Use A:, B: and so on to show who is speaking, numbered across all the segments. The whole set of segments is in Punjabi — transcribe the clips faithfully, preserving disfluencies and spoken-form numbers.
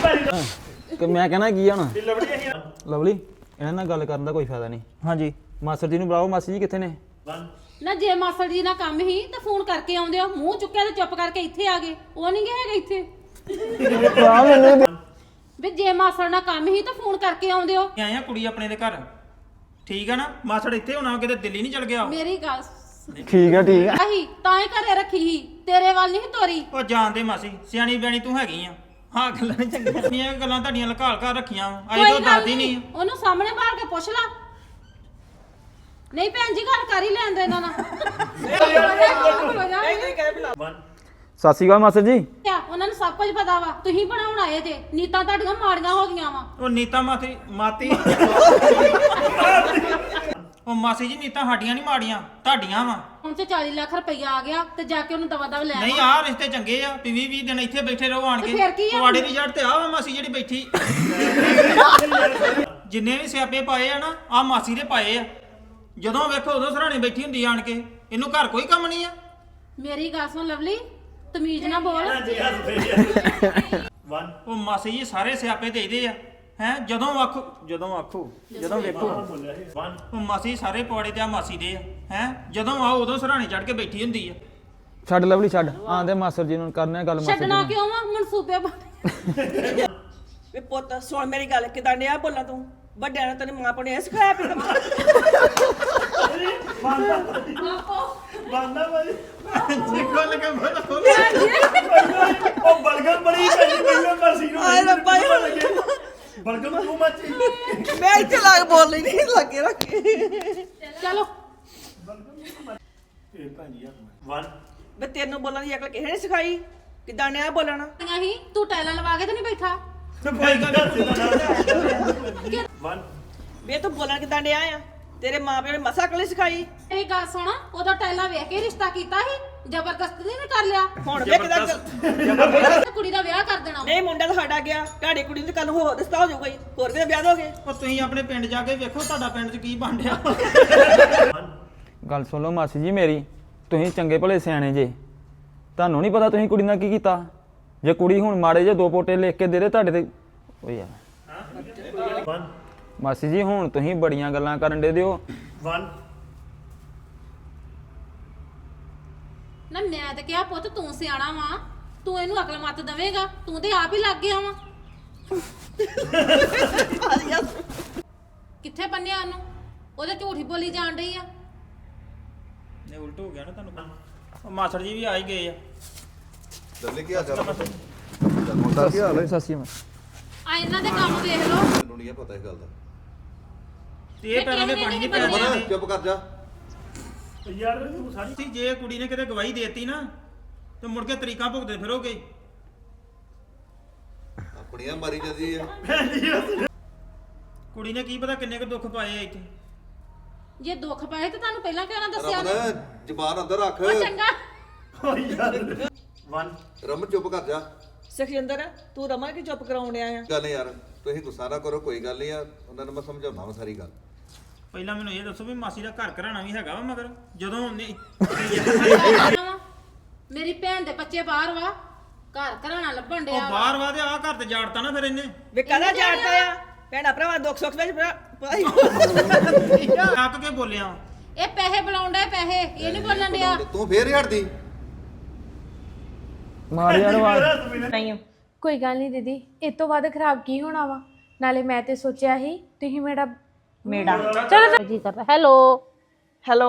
A: ਕਿ ਮੈਂ ਕਹਿਣਾ ਕੀ ਆ ਹੁਣ ਲਵਲੀ ਇਹਨਾਂ ਨਾਲ ਗੱਲ ਕਰਨ ਦਾ ਕੋਈ ਫਾਇਦਾ ਨਹੀਂ। ਹਾਂਜੀ ਮਾਸਟਰ ਜੀ ਨੂੰ ਬੁਲਾਓ। ਮਾਸੀ ਜੀ ਕਿੱਥੇ ਨੇ?
B: ਨਾ ਜੇ ਮਾਸਟਰ ਜੀ ਨਾਲ ਕੰਮ ਹੀ ਤਾਂ ਫੋਨ ਕਰਕੇ ਆਉਂਦੇ ਹੋ, ਮੂੰਹ ਚੁੱਕਿਆ ਤੇ ਚੁੱਪ ਕਰਕੇ ਇੱਥੇ ਆ ਗਏ। ਉਹ ਨਹੀਂ ਗਏ ਹੈਗੇ ਇੱਥੇ ਵੀ ਜੇ ਮਾਸਟਰ ਨਾਲ ਕੰਮ ਹੀ ਤਾਂ ਫੋਨ ਕਰਕੇ ਆਉਂਦੇ ਹੋ।
C: ਆਏ ਆ ਕੁੜੀ ਆਪਣੇ ਦੇ ਘਰ, ਠੀਕ ਆ ਨਾ? ਮਾਸੜ ਇੱਥੇ ਹੋਣਾ, ਕਿਤੇ ਦਿੱਲੀ ਨਹੀਂ ਚਲ ਗਿਆ।
B: ਮੇਰੀ ਗੱਲ
A: ਠੀਕ ਆ ਠੀਕ ਆ
B: ਆਹੀ ਤਾਂ ਹੀ ਘਰੇ ਰੱਖੀ ਸੀ, ਤੇਰੇ ਵੱਲ ਨਹੀਂ ਤੋਰੀ।
C: ਉਹ ਜਾਣਦੇ ਮਾਸੀ, ਸਿਆਣੀ ਬਿਆਣੀ ਤੂੰ ਹੈਗੀ ਆ। ਹਾਂ ਗੱਲਾਂ ਨੀ ਚੰਗੀਆਂ ਗੱਲਾਂ ਤੁਹਾਡੀਆਂ ਲਕਾਲ ਕਰ ਰੱਖੀਆਂ ਅਜੇ ਤੋਂ ਦੱਸਦੀ ਨਹੀਂ।
B: ਉਹਨੂੰ ਸਾਹਮਣੇ ਬਾਹਰ ਕੇ ਪੁੱਛ ਲਾ। ਨਹੀਂ ਭੈਣ ਜੀ ਗੱਲ ਕਰ ਹੀ ਲੈਂਦੇ ਇਹਨਾਂ ਨਾਲ।
A: ਸਤਿ ਸ਼੍ਰੀ ਅਕਾਲ ਮਾਸਟਰ ਜੀ।
B: ਉਹਨਾਂ ਨੂੰ ਸਭ ਕੁਝ ਪਤਾ ਵਾ, ਤੁਸੀਂ ਬਣਾਉਣ ਆਏ ਜੇ। ਨੀਤਾਂ ਤੁਹਾਡੀਆਂ ਮਾੜੀਆਂ ਹੋ ਗਈਆਂ ਵਾ।
C: ਉਹ ਨੀਤਾ ਮਾਤੀ ਮਾਤੀ ਉਹ ਮਾਸੀ ਜੀ ਨੀਤਾ ਸਾਡੀਆਂ ਨਹੀਂ ਮਾੜੀਆਂ, ਤੁਹਾਡੀਆਂ ਵਾ।
B: ਹੁਣ ਤੇ ਚਾਲੀ ਲੱਖ ਰੁਪਈਆ ਆ ਗਿਆ ਤੇ ਜਾ ਕੇ ਉਹਨੂੰ ਦਵਾ ਦਵ ਲੈ
C: ਨਹੀਂ ਆਹ ਰਿਸ਼ਤੇ ਚੰਗੇ ਆ, ਵੀ ਵੀਹ ਵੀਹ ਦਿਨ ਇੱਥੇ ਬੈਠੇ ਰਹੋ ਆਣ ਕੇ। ਤੁਹਾਡੇ ਦੀ ਜੜ ਤੇ ਆ ਵਾ ਮਾਸੀ ਜਿਹੜੀ ਬੈਠੀ। ਜਿੰਨੇ ਵੀ ਸਿਆਪੇ ਪਾਏ ਆ ਨਾ, ਆ ਮਾਸੀ ਦੇ ਪਾਏ ਆ। ਜਦੋਂ ਵੇਖੋ ਉਦੋਂ ਸਰਾਣੇ ਬੈਠੀ ਹੁੰਦੀ ਆਣ ਕੇ। ਇਹਨੂੰ ਘਰ ਕੋਈ ਕੰਮ ਨਹੀਂ ਆ।
B: ਮੇਰੀ ਗੱਲ ਸੁਣ ਲਵਲੀ, ਤਮੀਜ਼ ਨਾ ਬੋਲ।
C: ਉਹ ਮਾਸੀ ਜੀ ਸਾਰੇ ਸਿਆਪੇ ਦੇਈਦੇ ਆ ਹੈ। ਜਦੋਂ ਆਖੋ ਜਦੋਂ ਆਖੋ ਜਦੋਂ ਵੇਖੋ ਉਹ ਮਾਸੀ ਸਾਰੇ ਪੌੜੇ ਤੇ ਆ ਮਾਸੀ ਦੇ ਆ ਹੈ। ਜਦੋਂ ਆਓ ਉਦੋਂ ਸਰਾਣੇ ਚੜ ਕੇ ਬੈਠੀ ਹੁੰਦੀ ਆ।
A: ਛੱਡ ਲਵਲੀ ਛੱਡ, ਆਂਦੇ ਮਾਸਟਰ ਜੀ ਨੂੰ ਕਰਨੇ ਗੱਲ। ਮਾਸਟਰ
B: ਛੱਡਣਾ ਕਿਉਂ ਵਾ? ਮਨਸੂਬੇ
D: ਵੇ ਪੁੱਤ ਸੁਣ ਮੇਰੀ ਗੱਲ, ਕਿਦਾਂ ਡਿਆ ਬੋਲਾਂ ਤੂੰ? ਵੱਡਿਆਂ ਨੇ ਤੈਨੂੰ ਮਾਂ ਨੇ ਸਿਖਾਇਆ ਵੀ
E: ਬੰਦਾ ਭਾਈ
C: ਦੇਖੋ ਲਗਾ ਬੋਲ
E: ਉਹ ਬਲਗਮ ਬੜੀ ਪੈਂਦੀ ਪਹਿਲਾਂ ਮਰਸੀ ਨੂੰ
D: ਆਏ ਰੱਬਾ
E: ਬਲਗਮ ਤੂੰ ਮੱਚੀ
D: ਮੈਂ ਇੱਥੇ ਲੱਗ ਬੋਲ ਲਈ ਨਹੀਂ ਲੱਗੇ ਰੱਖੇ।
B: ਚਲੋ
E: ਇਹ ਭਾਜੀ ਆ ਵਨ
D: ਵੇ ਤੈਨੂੰ ਬੋਲਣ ਦੀ ਅਕਲ ਕਿਸੇ ਨੇ ਸਿਖਾਈ? ਕਿਦਾਂ ਡਿਆ ਬੋਲਣਾ?
B: ਹੀ ਤੂੰ ਟੈਲਾਂ ਲਵਾ ਕੇ ਤੇ ਨਹੀਂ ਬੈਠਾ?
C: ਕੋਈ ਗੱਲ
E: ਵਨ
D: ਵੇ ਤੂੰ ਬੋਲਣ ਕਿਦਾਂ ਡਿਆ ਆ? ਤੇਰੇ ਮਾਂ ਪਿਓ ਨੇ ਮਸਾ ਅਕਲ ਸਿਖਾਈ?
B: ਇਹ ਗੱਲ ਸੁਣ, ਉਹਦਾ ਟੈਲਾਂ ਵੇਖ ਕੇ ਰਿਸ਼ਤਾ ਕੀਤਾ ਸੀ, ਜ਼ਬਰਦਸਤੀ ਨਹੀਂ ਕਰ ਲਿਆ।
D: ਹੁਣ ਵੇ ਕਿਦਾਂ
B: ਕੁੜੀ ਦਾ ਵਿਆਹ ਕਰ ਦੇਣਾ।
D: ਨਹੀਂ ਮੁੰਡਾ ਤਾਂ ਸਾਡਾ ਗਿਆ, ਤੁਹਾਡੀ ਕੁੜੀ ਨੂੰ ਕੱਲ ਹੋਰ ਰਿਸ਼ਤਾ ਹੋ ਜਾਊਗਾ। ਹੋਰ ਕਿਤੇ ਵਿਆਹ ਦੋਗੇ?
C: ਉਹ ਤੁਸੀਂ ਆਪਣੇ ਪਿੰਡ ਜਾ ਕੇ ਵੇਖੋ ਤੁਹਾਡਾ ਪਿੰਡ 'ਚ ਕੀ ਬਣ ਰਿਹਾ।
A: ਗੱਲ ਸੁਣ ਲਓ ਮਾਸੀ ਜੀ ਮੇਰੀ, ਤੁਸੀਂ ਚੰਗੇ ਭਲੇ ਸਿਆਣੇ ਜੇ। ਤੁਹਾਨੂੰ ਨਹੀਂ ਪਤਾ ਤੁਸੀਂ ਕੁੜੀ ਨਾਲ ਕੀ ਕੀਤਾ? ਜੇ ਕੁੜੀ ਹੁਣ ਮਾੜੇ ਜੇ ਦੋ ਪੋਟੇ ਲਿਖ ਕੇ ਦੇ ਦੇ ਤੁਹਾਡੇ ਤੇ ਓ ਯਾਰ।
E: ਵਨ
A: ਮਾਸੀ ਜੀ ਹੁਣ ਤੁਸੀਂ ਬੜੀਆਂ ਗੱਲਾਂ ਕਰਨ ਦੇ ਦਿਓ।
E: ਵਨ
B: ਨਾ ਮੈਂ ਤੇ ਕਿਹਾ ਪੁੱਤ ਤੂੰ ਸਿਆਣਾ ਵਾ, ਤੂੰ ਇਹਨੂੰ ਅਕਲ ਮੱਤ ਦੇਵੇਂਗਾ। ਤੂੰ ਤੇ ਆਪ ਹੀ ਲੱਗ ਗਿਆ ਵਾ। ਕਿੱਥੇ ਬੰਨਿਆ ਉਹਨੂੰ? ਉਹਦੇ ਝੂਠੀ ਬੋਲੀ ਜਾਣ ਰਹੀ ਆ।
C: ਨੇ ਉਲਟ ਹੋ ਗਿਆ ਨਾ ਤੁਹਾਨੂੰ। ਉਹ ਮਾਸੜ ਜੀ ਵੀ ਆ ਹੀ ਗਏ ਆ।
F: ਦੱਲੇ ਕੀ ਹਾਲ ਚਾਲ ਹੈ?
A: ਕੀ ਹਾਲ ਹੈ? ਸਤਿ ਸ਼੍ਰੀ ਅਕਾਲ।
B: ਆ ਇਹਨਾਂ ਦੇ ਕੰਮ ਵੇਖ ਲਓ।
F: ਮੈਨੂੰ ਨਹੀਂ ਪਤਾ ਇਹ ਗੱਲ ਦਾ।
C: ਤੇ ਇਹ ਪੈਰਾਂ ਦੇ ਪਾਣੀ ਨਹੀਂ ਪੈਣਾ
F: ਮਨ ਚੁੱਪ ਕਰ ਜਾ।
E: ਯਾਰ ਤੂੰ ਸਾਰੀ
C: ਸੀ। ਜੇ ਕੁੜੀ ਨੇ ਕਿਤੇ ਗਵਾਹੀ ਦੇਤੀ ਨਾ ਤੇ ਮੁੜ ਕੇ ਤਰੀਕਾਂ ਭੁਗਤਦੇ ਫਿਰੋਗੇ।
F: ਆਪਣੀਆਂ ਮਾਰੀ ਜਾਂਦੀ ਆ।
C: ਕੁੜੀ ਨੇ ਕੀ ਪਤਾ ਕਿੰਨੇ ਕੁ ਦੁੱਖ ਪਾਏ ਆ ਇੱਥੇ।
B: ਜੇ ਦੁੱਖ ਪਾਏ ਤੇ ਤੁਹਾਨੂੰ ਪਹਿਲਾਂ ਕਿਉਂ ਨਾ ਦੱਸਿਆ?
F: ਰਮਨ ਜ਼ਬਾਨ ਅੰਦਰ ਰੱਖ।
B: ਉਹ ਚੰਗਾ
E: ਓ ਯਾਰ ਵਨ
F: ਰਮਨ ਚੁੱਪ ਕਰ ਜਾ।
D: ਸੁਖਜਿੰਦਰ ਤੂੰ ਰਮਨ ਕੀ ਚੁੱਪ ਕਰਾਉਣ ਡਿਆ ਆ?
F: ਗੱਲ ਯਾਰ ਤੁਸੀਂ ਗੁੱਸਾ ਨਾ ਕਰੋ, ਕੋਈ ਗੱਲ ਨਹੀਂ ਆ। ਉਹਨਾਂ ਨੂੰ ਮੈਂ ਸਮਝਾਉਣਾ ਵਾ ਸਾਰੀ ਗੱਲ।
C: ਪਹਿਲਾਂ ਮੈਨੂੰ ਇਹ ਦੱਸੋ ਵੀ ਮਾਸੀ ਦਾ ਘਰ ਘਰਾਣਾ ਵੀ ਹੈਗਾ ਵਾ ਮਗਰ ਜਦੋਂ ਉਹਨੇ
B: ਮੇਰੀ ਭੈਣ ਦੇ ਬੱਚੇ ਬਾਹਰ ਵਾ, ਘਰ ਘਰਾਣਾ ਲੱਭਣ
C: ਉਹ
B: ਡਿਆ।
C: ਬਾਹਰ ਵਾ ਤੇ ਆਹ ਘਰ ਤੇ ਜਾੜਤਾ ਨਾ ਫਿਰ ਇਹਨੇ।
D: ਵੇ ਕਾਹਦਾ ਜਾਣਦਾ ਆ? ਭੈਣਾ ਭਰਾਵਾ ਦੁੱਖ ਸੁੱਖ ਵਿੱਚ
C: ਕੱਕ ਕੇ ਬੋਲਿਆ।
B: ਇਹ ਪੈਸੇ ਬੁਲਾਉਣ ਡਿਆ, ਪੈਸੇ ਇਹ ਨਹੀਂ ਬੋਲਣ ਡਿਆ।
F: ਤੂੰ ਫੇਰ ਹੀ ਹਟਦੀ।
A: ਮਾਰ ਯਾਰ ਆਵਾਜ਼।
G: ਨਹੀਂ ਕੋਈ ਗੱਲ ਨਹੀਂ ਦੀਦੀ, ਇਹ ਤੋਂ ਵੱਧ ਖਰਾਬ ਕੀ ਹੋਣਾ ਵਾ? ਨਾਲੇ ਮੈਂ ਤੇ ਸੋਚਿਆ ਸੀ ਤੁਸੀਂ ਮੇਰਾ ਮੇੜਾ ਚਲੋ
B: ਜੀ ਕਰਦਾ ਹੈਲੋ
D: ਹੈਲੋ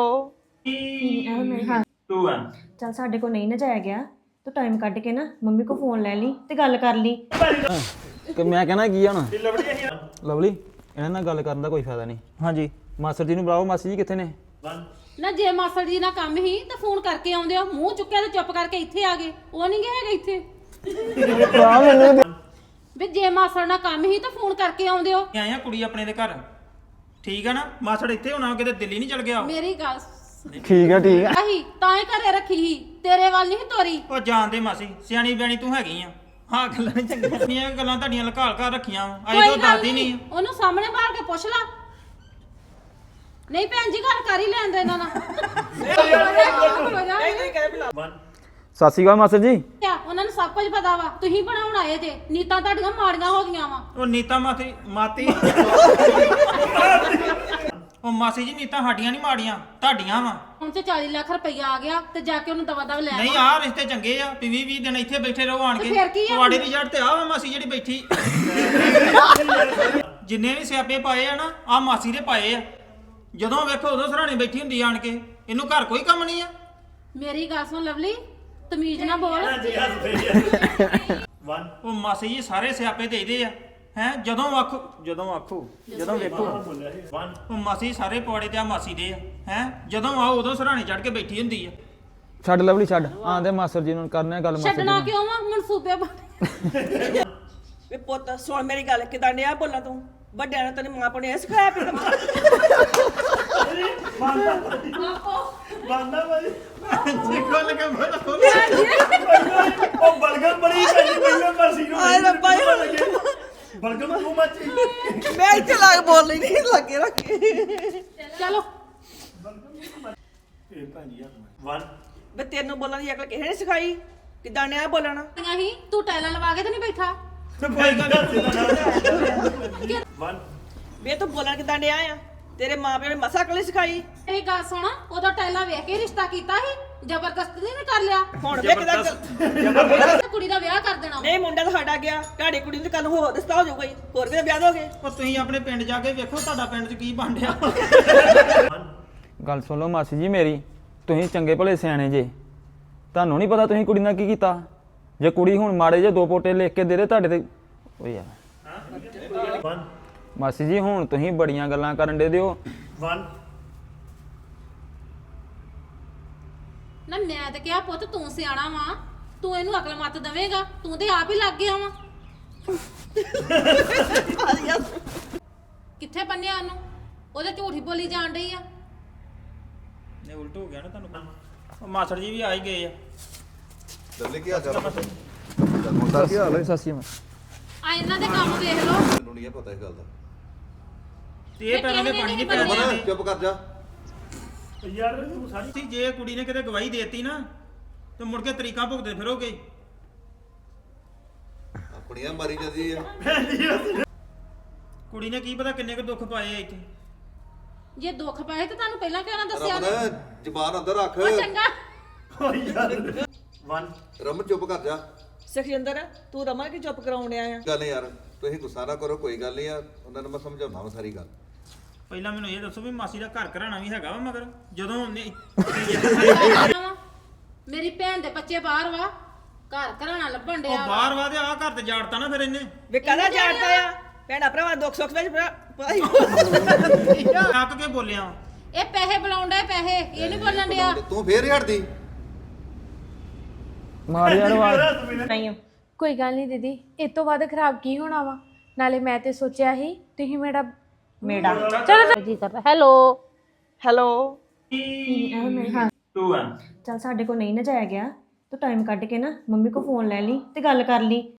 C: ਟੂ ਵਨ
G: ਚਲ ਸਾਡੇ ਕੋਲ ਨਹੀਂ ਨਾ ਜਾਇਆ ਗਿਆ ਤੂੰ ਟਾਈਮ ਕੱਢ ਕੇ ਨਾ ਮੰਮੀ ਕੋ ਫੋਨ ਲੈ ਲਈ ਤੇ ਗੱਲ ਕਰ ਲਈ।
A: ਕਿ ਮੈਂ ਕਹਿਣਾ ਕੀ ਆ ਹੁਣ ਲਵਲੀ ਇਹਨਾਂ ਨਾਲ ਗੱਲ ਕਰਨ ਦਾ ਕੋਈ ਫਾਇਦਾ ਨਹੀਂ। ਹਾਂਜੀ ਮਾਸਟਰ ਜੀ ਨੂੰ ਬੁਲਾਓ। ਮਾਸੀ ਜੀ ਕਿੱਥੇ ਨੇ?
B: ਨਾ ਜੇ ਮਾਸਟਰ ਜੀ ਨਾਲ ਕੰਮ ਹੀ ਤਾਂ ਫੋਨ ਕਰਕੇ ਆਉਂਦੇ ਹੋ, ਮੂੰਹ ਚੁੱਕਿਆ ਤੇ ਚੁੱਪ ਕਰਕੇ ਇੱਥੇ ਆ ਗਏ। ਉਹ ਨਹੀਂ ਗਏ ਹੈਗੇ ਇੱਥੇ ਵੀ ਜੇ ਮਾਸਟਰ ਨਾਲ ਕੰਮ ਹੀ ਤਾਂ ਫੋਨ ਕਰਕੇ ਆਉਂਦੇ ਹੋ।
C: ਆਏ ਆ ਕੁੜੀ ਆਪਣੇ ਦੇ ਘਰ, ਠੀਕ ਆ ਨਾ? ਮਾਸੜ ਇੱਥੇ ਹੋਣਾ, ਕਿਤੇ ਦਿੱਲੀ ਨਹੀਂ ਚਲ ਗਿਆ।
B: ਮੇਰੀ ਗੱਲ
A: ਠੀਕ ਆ ਠੀਕ ਆ
B: ਆਹੀ ਤਾਂ ਹੀ ਘਰੇ ਰੱਖੀ ਸੀ, ਤੇਰੇ ਵੱਲ ਨਹੀਂ ਤੋਰੀ।
C: ਉਹ ਜਾਣਦੇ ਮਾਸੀ, ਸਿਆਣੀ ਬਿਆਣੀ ਤੂੰ ਹੈਗੀ ਆ। ਹਾਂ ਗੱਲਾਂ ਨੀ ਚੰਗੀਆਂ ਗੱਲਾਂ ਤੁਹਾਡੀਆਂ ਲਕਾਲ ਕਰ ਰੱਖੀਆਂ ਅਜੇ ਤੋਂ ਦੱਸਦੀ ਨਹੀਂ।
B: ਉਹਨੂੰ ਸਾਹਮਣੇ ਬਾਹਰ ਕੇ ਪੁੱਛ ਲਾ। ਨਹੀਂ ਭੈਣ ਜੀ ਗੱਲ ਕਰ ਹੀ ਲੈਂਦੇ ਇਹਨਾਂ ਨਾਲ।
E: ਵਨ
A: ਸਤਿ ਸ਼੍ਰੀ ਅਕਾਲ ਮਾਸਟਰ ਜੀ।
B: ਆ ਉਹਨਾਂ ਨੂੰ ਸਭ ਕੁਝ ਪਤਾ ਵਾ ਤੁਸੀਂ ਬਣਾਉਣ ਆਏ ਜੇ ਨੀਤਾਂ ਤੁਹਾਡੀਆਂ ਮਾੜੀਆਂ ਹੋ ਗਈਆਂ ਵਾ
C: ਉਹ ਨੀਤਾ ਮਾਤੀ ਮਾਤੀ ਉਹ ਮਾਸੀ ਜੀ ਨੀਤਾ ਸਾਡੀਆਂ ਨਹੀਂ ਮਾੜੀਆਂ ਤੁਹਾਡੀਆਂ ਵਾ
B: ਹੁਣ ਤੇ ਚਾਲੀ ਲੱਖ ਰੁਪਈਆ ਆ ਗਿਆ ਤੇ ਜਾ ਕੇ ਉਹਨੂੰ ਦਵਾ ਦਵ ਲੈ
C: ਨਹੀਂ
B: ਆਓ।
C: ਆਹ ਰਿਸ਼ਤੇ ਚੰਗੇ ਆ ਵੀ ਵੀਹ ਵੀਹ ਦਿਨ ਇੱਥੇ ਬੈਠੇ ਰਹੋ ਆਣ
B: ਤੇ
C: ਕੇ
B: ਫਿਰ ਕੀ ਆ?
C: ਤੁਹਾਡੇ ਦੀ ਜੜ ਤੇ ਆ ਵਾ ਮਾਸੀ ਜਿਹੜੀ ਬੈਠੀ ਜਿੰਨੇ ਵੀ ਸਿਆਪੇ ਪਾਏ ਆ ਨਾ ਆ ਮਾਸੀ ਦੇ ਪਾਏ ਆ ਜਦੋਂ ਵੇਖੋ ਉਦੋਂ ਸਰਾਣੇ ਬੈਠੀ ਹੁੰਦੀ ਆਣ ਕੇ ਇਹਨੂੰ ਘਰ ਕੋਈ ਕੰਮ ਨਹੀਂ ਆ
B: ਮੇਰੀ ਗੱਲ ਸੁਣ ਲਵਲੀ ਤਮੀਜ਼ ਨਾ ਬੋਲ
E: ਵਨ
C: ਉਹ ਮਾਸੀ ਜੀ ਸਾਰੇ ਸਿਆਪੇ ਦੇ ਇਹਦੇ ਆ ਹੈ ਜਦੋਂ ਆਖੋ ਜਦੋਂ ਆਖੋ ਜਦੋਂ ਵੇਖੋ
E: ਵਨ
C: ਉਹ ਮਾਸੀ ਸਾਰੇ ਪੌੜੇ ਤੇ ਆ ਮਾਸੀ ਦੇ ਆ ਹੈ ਜਦੋਂ ਆਓ ਉਦੋਂ ਸਰਾਣੇ ਚੜ ਕੇ ਬੈਠੀ ਹੁੰਦੀ ਆ
A: ਛੱਡ ਲਵਲੀ ਛੱਡ ਆਂਦੇ ਮਾਸਟਰ ਜੀ ਨੂੰ ਕਰਨੇ ਗੱਲ ਮਾਸਟਰ ਜੀ
B: ਛੱਡਣਾ
A: ਨਾਲ।
B: ਕਿਉਂ ਵਾ ਮਨਸੂਬੇ ਬਣ
D: ਵੇ ਪੁੱਤ ਸੁਣ ਮੇਰੀ ਗੱਲ ਕਿਦਾਂ ਡਿਆ ਬੋਲਾਂ ਤੂੰ ਵੱਡਿਆਂ ਨੇ ਤੈਨੂੰ ਮਾਂ ਪਿਓ ਨੇ ਇਹ ਸਿਖਾਇਆ ਵੀ
E: ਬਾਂਦਾ ਭਾਈ
C: ਦੇਖੋ ਲਗਾ ਬੋਲੋ
E: ਉਹ ਬਲਗਮ ਬੜੀ ਪੈਂਦੀ ਪਹਿਲਾਂ ਮਰਸੀ ਨੂੰ
D: ਆਏ ਰੱਬਾ ਈ।
E: ਬਲਗਮ ਤੂੰ ਮੱਚੀ
D: ਮੈਂ ਇੱਥੇ ਲੱਗ ਬੋਲ ਲਈ ਨਹੀਂ ਲੱਗੇ ਰੱਖੇ
B: ਚਲੋ
E: ਇਹ ਭਾਂਜੀ ਆ ਵਨ
D: ਵੇ ਤੈਨੂੰ ਬੋਲਣ ਦੀ ਅਕਲ ਕਿਸੇ ਨੇ ਸਿਖਾਈ ਕਿਦਾਂ ਡਿਆ ਬੋਲਣਾ
B: ਹੀ ਤੂੰ ਟੈਲਾਂ ਲਵਾ ਕੇ ਤੇ ਨਹੀਂ ਬੈਠਾ
E: ਵਨ
D: ਵੇ ਤੂੰ ਬੋਲਣ ਕਿਦਾਂ ਡਿਆ ਆ ਤੇਰੇ ਮਾਂ ਪਿਓ ਨੇ ਮਸਾ ਅਕਲ ਹੀ ਸਿਖਾਈ
B: ਮੇਰੀ ਗੱਲ ਸੁਣ ਉਦੋਂ ਟੈਲਾਂ ਵੇਖ ਕੇ ਰਿਸ਼ਤਾ ਕੀਤਾ ਸੀ ਜ਼ਬਰਦਸਤੀ ਨਹੀਂ ਕਰ ਲਿਆ
D: ਹੁਣ ਵੇ ਕਿਦਾਂ
B: ਤੇ ਕੁੜੀ ਦਾ ਵਿਆਹ ਕਰ ਦੇਣਾ
D: ਨਹੀਂ ਮੁੰਡਾ ਤਾਂ ਸਾਡਾ ਗਿਆ ਤੁਹਾਡੀ ਕੁੜੀ ਨੂੰ ਕੱਲ ਨੂੰ ਹੋਰ ਰਿਸ਼ਤਾ ਹੋ ਜਾਊਗਾ ਹੀ ਹੋਰ ਵੀ ਤਾਂ ਵਿਆਹ ਦੋਗੇ
C: ਉਹ ਤੁਸੀਂ ਆਪਣੇ ਪਿੰਡ ਜਾ ਕੇ ਵੇਖੋ ਤੁਹਾਡਾ ਪਿੰਡ 'ਚ ਕੀ ਬਣ ਰਿਹਾ
A: ਗੱਲ ਸੁਣ ਲਓ ਮਾਸੀ ਜੀ ਮੇਰੀ ਤੁਸੀਂ ਚੰਗੇ ਭਲੇ ਸਿਆਣੇ ਜੇ ਤੁਹਾਨੂੰ ਨਹੀਂ ਪਤਾ ਤੁਸੀਂ ਕੁੜੀ ਨਾਲ ਕੀ ਕੀਤਾ ਜੇ ਕੁੜੀ ਹੁਣ ਮਾੜੇ ਜੇ ਦੋ ਪੋਟੇ ਲਿਖ ਕੇ ਦੇ ਦੇ ਤੁਹਾਡੇ ਤੇ ਓ ਯਾਰ
E: ਵਨ
A: ਮਾਸੀ ਜੀ ਹੁਣ ਤੁਸੀਂ ਬੜੀਆਂ ਗੱਲਾਂ ਕਰਨ ਦੇ ਦਿਓ
E: ਵਨ
B: ਨਾ ਮੈਂ ਤੇ ਕਿਹਾ ਪੁੱਤ ਤੂੰ ਸਿਆਣਾ ਵਾ ਤੂੰ ਇਹਨੂੰ ਅਕਲ ਮੱਤ ਦੇਵੇਂਗਾ ਤੂੰ ਤੇ ਆਪ ਹੀ ਲੱਗ ਗਿਆ ਵਾ ਕਿੱਥੇ ਬੰਨਿਆ ਉਹਨੂੰ ਉਹਦੇ ਝੂਠੀ ਬੋਲੀ ਜਾਣ ਡਈ ਆ
C: ਨੇ ਉਲਟ ਹੋ ਗਿਆ ਨਾ ਤੁਹਾਨੂੰ ਉਹ ਮਾਸੜ ਜੀ ਵੀ ਆ ਹੀ ਗਏ ਆ
F: ਦੱਲੇ ਕੀ ਹਾਲ ਚਾਲ ਮੁੰਡਾ ਕੀ ਹਾਲ ਹੈ
A: ਸਤਿ ਸ਼੍ਰੀ ਅਕਾਲ
B: ਆ ਇਹਨਾਂ ਦੇ ਕੰਮ ਵੇਖ ਲਓ
F: ਮੈਨੂੰ ਨਹੀਂ ਪਤਾ ਇਸ ਗੱਲ ਦਾ
C: ਤੇ ਇਹ ਪੈਰਾਂ ਦੇ ਪਾਣੀ ਨਹੀਂ ਪੈਣ
F: ਰਮਨ
C: ਦਿੰਦੇ
F: ਚੁੱਪ ਕਰ ਜਾ
E: ਯਾਰ ਤੂੰ ਸਾਰੀ
C: ਸੀ ਜੇ ਕੁੜੀ ਨੇ ਕਿਤੇ ਗਵਾਹੀ ਦੇਤੀ ਨਾ ਤੇ ਮੁੜ ਕੇ ਤਰੀਕਾਂ ਭੁਗਤਦੇ ਫਿਰੋਗੇ
F: ਆਪਣੀਆਂ ਮਾਰੀ ਜਾਂਦੀ ਆ
C: ਕੁੜੀ ਨੇ ਕੀ ਪਤਾ ਕਿੰਨੇ ਕੁ ਦੁੱਖ ਪਾਏ ਆ ਇੱਥੇ
B: ਜੇ ਦੁੱਖ ਪਏ ਤੇ ਤੁਹਾਨੂੰ ਪਹਿਲਾਂ ਕਿਉਂ ਨਾ ਦੱਸਿਆ ਨੀ?
F: ਰਮਨ ਜ਼ਬਾਨ ਅੰਦਰ ਰੱਖ
B: ਉਹ ਚੰਗਾ
E: ਵਨ
F: ਰਮਨ ਚੁੱਪ ਕਰ ਜਾ
D: ਸੁਖਜਿੰਦਰ ਤੂੰ ਰਮਨ ਕੀ ਚੁੱਪ ਕਰਾਉਣ ਡਿਆ ਆ
F: ਗੱਲ ਨੀ ਯਾਰ ਤੁਸੀਂ ਗੁੱਸਾ ਨਾ ਕਰੋ ਕੋਈ ਗੱਲ ਨਹੀਂ ਆ ਉਹਨਾਂ ਨੂੰ ਮੈਂ ਸਮਝਾਉਣਾ ਵਾ ਸਾਰੀ ਗੱਲ
C: ਪਹਿਲਾਂ ਮੈਨੂੰ ਇਹ ਦੱਸੋ ਵੀ ਮਾਸੀ ਦਾ ਘਰ ਘਰਾਣਾ ਵੀ ਹੈਗਾ ਵਾ ਮਗਰ ਜਦੋਂ ਉਹਨੇ
B: ਮੇਰੀ ਭੈਣ ਦੇ ਬੱਚੇ ਬਾਹਰ ਵਾ ਘਰ ਘਰਾਣਾ ਲੱਭਣ
C: ਉਹ
B: ਡਿਆ ਵਾ।
C: ਬਾਹਰ ਵਾ ਤੇ ਆ ਘਰ ਤੇ ਜਾੜਤਾ ਨਾ ਫਿਰ ਇਹਨੇ
D: ਵੇ ਕਾਹਦਾ ਜਾਣਦਾ ਆ ਭੈਣਾ ਭਰਾਵਾ ਦੁੱਖ ਸੁੱਖ ਵਿੱਚ ਭਰਾ ਭਾਈ
C: ਥੱਕ ਕੇ ਬੋਲਿਆ
B: ਇਹ ਪੈਸੇ ਬੁਲਾਉਣ ਡਿਆ ਪੈਸੇ ਇਹ ਨਹੀਂ ਬੋਲਣ ਡਿਆ
F: ਤੂੰ ਫੇਰ ਹੀ ਹਟਦੀ
A: ਮਾਰ ਯਾਰ ਆਵਾਜ਼
G: ਕੋਈ ਗੱਲ ਨਹੀਂ ਦੀਦੀ ਇਹ ਤੋਂ ਵੱਧ ਖਰਾਬ ਕੀ ਹੋਣਾ ਵਾ ਨਾਲੇ ਮੈਂ ਤੇ ਸੋਚਿਆ ਸੀ ਤੁਸੀਂ ਮੇਰਾ
H: ਮੇੜਾ ਚਲੋ ਜੀ ਕਰ ਹੈਲੋ
D: ਹੈਲੋ
C: ਟੂ ਵਨ
H: ਚਲ ਸਾਡੇ ਕੋਲ ਨਹੀਂ ਨਾ ਜਾਇਆ ਗਿਆ ਤੂੰ ਟਾਈਮ ਕੱਢ ਕੇ ਨਾ ਮੰਮੀ ਕੋ ਫੋਨ ਲੈ ਲਈ ਤੇ ਗੱਲ ਕਰ ਲਈ